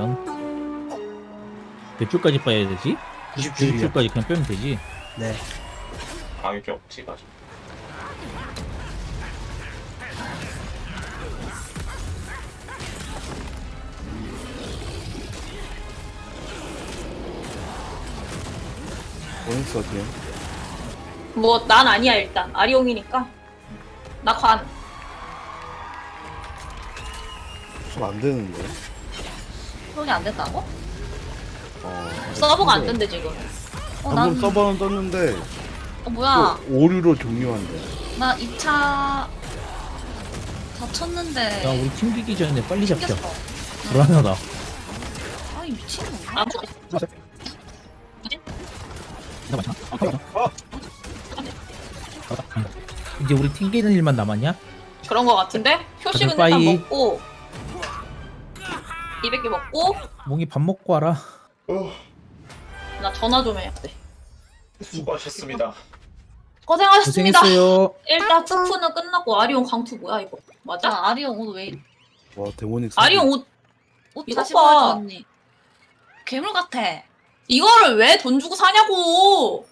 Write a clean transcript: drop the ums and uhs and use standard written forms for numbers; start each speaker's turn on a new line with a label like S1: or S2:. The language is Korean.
S1: 그러면 몇 줄까지 빠야 되지?
S2: 90줄이요.
S1: 90줄까지 그냥 빼면 되지.
S2: 네.
S3: 방역이 없지 가지고.
S4: 원스 어디야?
S5: 뭐 난 아니야 일단 아리옹이니까 나 관.
S4: 좀 안 되는데.
S5: 손이 안 된다고?
S4: 어.
S5: 서버가 안 뜬대 지금.
S4: 방금 서버는 떴는데
S5: 뭐야?
S4: 또 오류로 종료한대.
S5: 나 2차 다 쳤는데
S1: 야 우리 튕기기 전에 빨리 잡자.
S5: 튕겼어.
S1: 불안하다.
S5: 아이 미친놈. 아,
S1: 이제 우리 튕기는 일만 남았냐?
S5: 그런 거 같은데? 효식은
S1: 다들
S5: 일단
S1: 빠이.
S5: 먹고 200개 먹고
S1: 몽이 밥 먹고 와라.
S5: 나 전화 좀 해야 돼.
S3: 수고하셨습니다.
S5: 고생하셨습니다.
S1: 고생했어요.
S5: 일단 투프는 끝났고 아리옹 강투 뭐야 이거? 맞아?
S6: 아리옹 옷 왜?
S4: 와 데모닉.
S5: 아리옹 옷
S6: 옷
S5: 이거
S6: 다시
S5: 봐.
S6: 보여줘 언니. 괴물 같아.
S5: 이거를 왜 돈 주고 사냐고?